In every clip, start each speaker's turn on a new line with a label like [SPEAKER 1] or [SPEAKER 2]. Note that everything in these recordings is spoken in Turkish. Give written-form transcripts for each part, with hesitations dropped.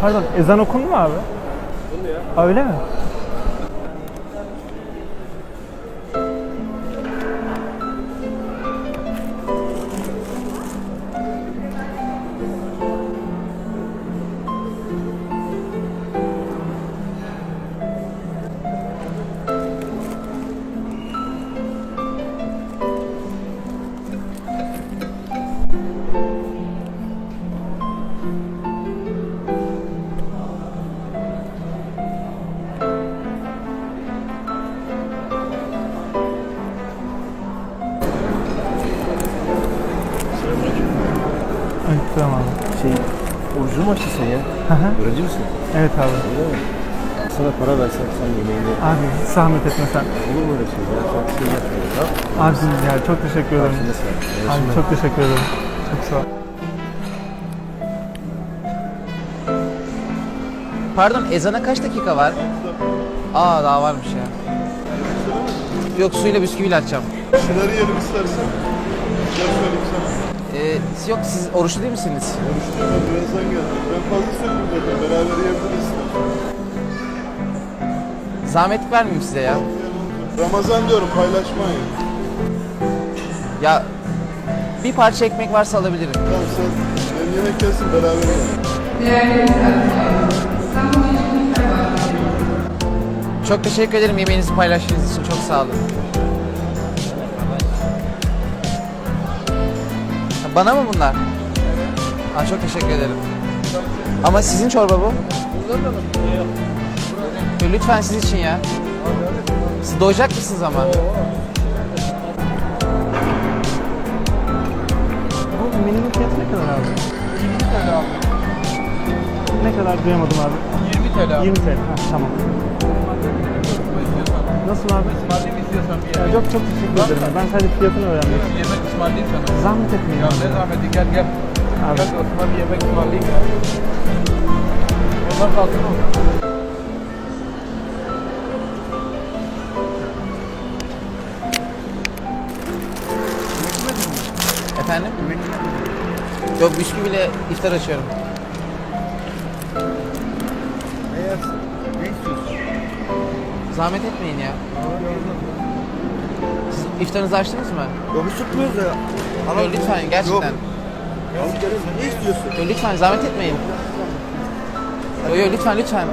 [SPEAKER 1] Pardon, ezan okundu mu abi?
[SPEAKER 2] Okundu ya.
[SPEAKER 1] Aa, öyle mi? Evet, tamam abi.
[SPEAKER 2] Orucu mu açtın ya?
[SPEAKER 1] Hı hı.
[SPEAKER 2] Öğrenci misin?
[SPEAKER 1] Evet abi.
[SPEAKER 2] Öyle mi? Sana para versem sen yemeğini...
[SPEAKER 1] Abi hiç zahmet etme sen.
[SPEAKER 2] Olur mu öyle şey ya? Sen bir şey yapmıyorsun, tamam?
[SPEAKER 1] Abicim ya çok teşekkür ederim.
[SPEAKER 2] Karşında sen.
[SPEAKER 1] Abi çok teşekkür ederim. Çok sağ ol.
[SPEAKER 3] Pardon, ezana kaç dakika var? Aa, daha varmış ya. Yok, suyla bisküviyle açacağım.
[SPEAKER 4] Şeyleri yiyelim istersen. Gel söyleyeyim sana.
[SPEAKER 3] Yok, siz oruçlu değil misiniz?
[SPEAKER 4] Görüştüm ben birazdan geldim. Ben fazla söyledim zaten. Beraber yiyebiliriz.
[SPEAKER 3] Zahmet vermeyeyim size ya.
[SPEAKER 4] Ramazan diyorum paylaşmayın.
[SPEAKER 3] Ya, bir parça ekmek varsa alabilirim.
[SPEAKER 4] Tamam sen benim yemek gelsin beraber yiyelim.
[SPEAKER 3] Çok teşekkür ederim yemeğinizi paylaştığınız için. Çok sağ olun. Bana mı bunlar? Aa, çok teşekkür ederim. Ama sizin çorba bu. Lütfen siz için ya. Siz doyacak mısınız ama?
[SPEAKER 1] Bu menünün fiyatı ne kadar abi?
[SPEAKER 5] 20 TL abi.
[SPEAKER 1] Ne kadar duyamadım abi.
[SPEAKER 5] 20 TL abi.
[SPEAKER 1] 20 TL. Ha, tamam. Nasıl abi?
[SPEAKER 5] Ismarlayayım istiyorsan bir
[SPEAKER 1] Ya
[SPEAKER 5] yemek.
[SPEAKER 1] çok çok teşekkür ederim. Ben sadece fiyatını öğrenmek istiyorum.
[SPEAKER 5] Bir yemek ısmarlayayım sana.
[SPEAKER 1] Zahmet etmeyin
[SPEAKER 5] Ya
[SPEAKER 1] abi.
[SPEAKER 5] ne zahmeti, gel gel.
[SPEAKER 1] Abi.
[SPEAKER 5] Gel Osman bir yemek ısmarlayayım ya. Onlar kalsın mı?
[SPEAKER 3] Efendim? Yok, bisküviyle iftar açıyorum.
[SPEAKER 2] Ne yersin? Ne istiyorsun?
[SPEAKER 3] Zahmet etmeyin ya. Siz iftarınızı açtınız mı?
[SPEAKER 2] Yok hiç tutmuyoruz ya.
[SPEAKER 3] Yok, lütfen gerçekten.
[SPEAKER 2] Alıp gelirsin. Ne istiyorsun?
[SPEAKER 3] Yok, lütfen zahmet etmeyin. Yok lütfen lütfen.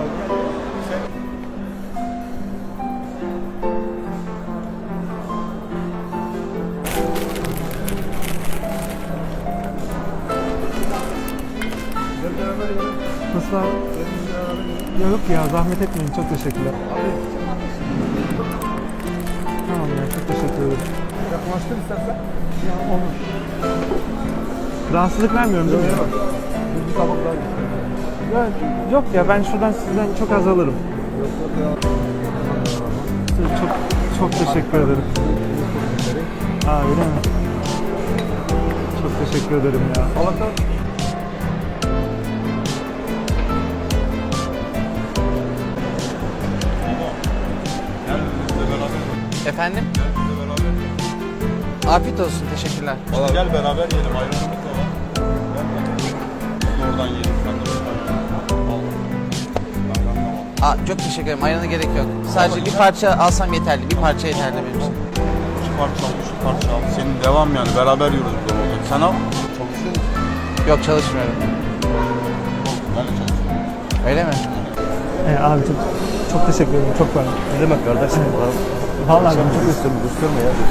[SPEAKER 1] Nasıl abi? Ya yok ya zahmet etmeyin. Çok teşekkürler. Tamam ya çok teşekkür ederim.
[SPEAKER 5] Yaklaştır istersen.
[SPEAKER 1] Ya olur. Rahatsızlık vermiyorum değil mi?
[SPEAKER 5] Bir tabak daha getir.
[SPEAKER 1] Ya, yok ya ben şuradan sizden çok az alırım. Çok çok teşekkür ederim. Aa öyle mi? Çok teşekkür ederim ya.
[SPEAKER 5] Allah'tan
[SPEAKER 3] Efendim? Afiyet olsun, teşekkürler.
[SPEAKER 4] Gel beraber yiyelim. Ayrılmak da var. Oradan yiyelim. Sen de oradan.
[SPEAKER 3] Aa, çok teşekkür ederim, ayrana gerek yok. Sadece bir parça alsam yeterli, bir parça yeterli benim için.
[SPEAKER 4] Şu parça al, şu parça al. Senin devam yani. Beraber yiyoruz bu zamanda. Sen al. Çalışıyor musun?
[SPEAKER 3] Yok, çalışmıyorum.
[SPEAKER 4] Ben de çalışıyorum.
[SPEAKER 3] Öyle mi?
[SPEAKER 1] Abi çok teşekkür ederim. Çok var.
[SPEAKER 2] Ne demek kardeşim?
[SPEAKER 1] Vallahi ben çok
[SPEAKER 2] Gösterme ya.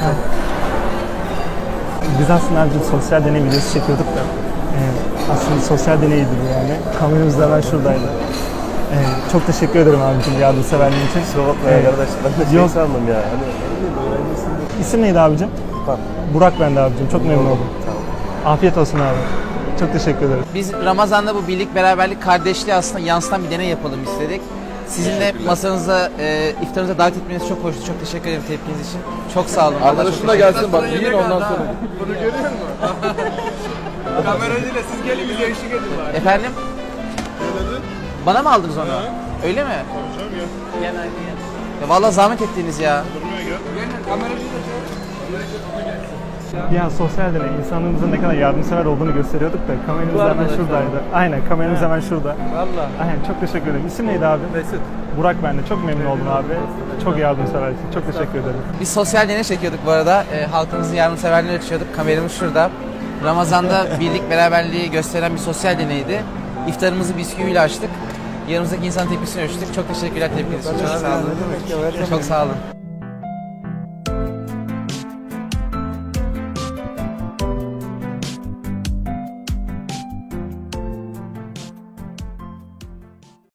[SPEAKER 1] Biz aslında abicim sosyal deney videosu çekiyorduk da aslında sosyal deneydi bu yani. Kameramız da hemen şuradaydı. Çok teşekkür ederim abicim yardımseverliğin için.
[SPEAKER 2] Kusura bakma ya kardeş. Ben de şey
[SPEAKER 1] Yok.
[SPEAKER 2] sandım ya. Hani öğrencisin.
[SPEAKER 1] İsim neydi abicim?
[SPEAKER 2] Bak.
[SPEAKER 1] Burak ben de abicim. Çok memnun oldum.
[SPEAKER 2] Tamam.
[SPEAKER 1] Afiyet olsun abi. Çok teşekkür ederim.
[SPEAKER 3] Biz Ramazan'da bu birlik, beraberlik, kardeşliği aslında yansıtan bir deney yapalım istedik. Sizin de masanıza, iftarınıza davet etmeniz çok hoştu. Çok teşekkür ederim tepkiniz için. Çok sağ olun.
[SPEAKER 5] arkadaşın da gelsin bak. Yiyin ondan sonra.
[SPEAKER 4] Bunu görüyor musun?
[SPEAKER 5] Kameracıyla siz gelin bize eşlik edin bari.
[SPEAKER 3] Efendim?
[SPEAKER 4] Ne dedin?
[SPEAKER 3] Bana mı aldınız onu? Öyle mi?
[SPEAKER 4] Hocam gel.
[SPEAKER 3] Ya vallahi zahmet ettiniz ya.
[SPEAKER 4] Durmaya gel.
[SPEAKER 5] Gelin kameracıyla çağırın.
[SPEAKER 1] Ya sosyal deney insanlığımızın ne kadar yardımsever olduğunu gösteriyorduk da kameramız
[SPEAKER 5] Bu
[SPEAKER 1] hemen
[SPEAKER 5] arkadaşlar.
[SPEAKER 1] şuradaydı. Aynen kameramız hemen şurada.
[SPEAKER 5] Valla.
[SPEAKER 1] Aynen çok teşekkür ederim. İsim neydi abi?
[SPEAKER 5] Mesut.
[SPEAKER 1] Burak ben de. Çok memnun oldum abi. Çok yardımseversin. Çok teşekkür ederim.
[SPEAKER 3] Biz sosyal deney çekiyorduk bu arada. Halkımızın yardımseverliğini ölçüyorduk. Kameramız şurada. Ramazan'da birlik beraberliği gösteren bir sosyal deneydi. İftarımızı bisküviyle açtık. Yanımızdaki insan tepkisini ölçtük. Çok teşekkürler tepkiniz için. Çok sağ olun. Çok sağ olun.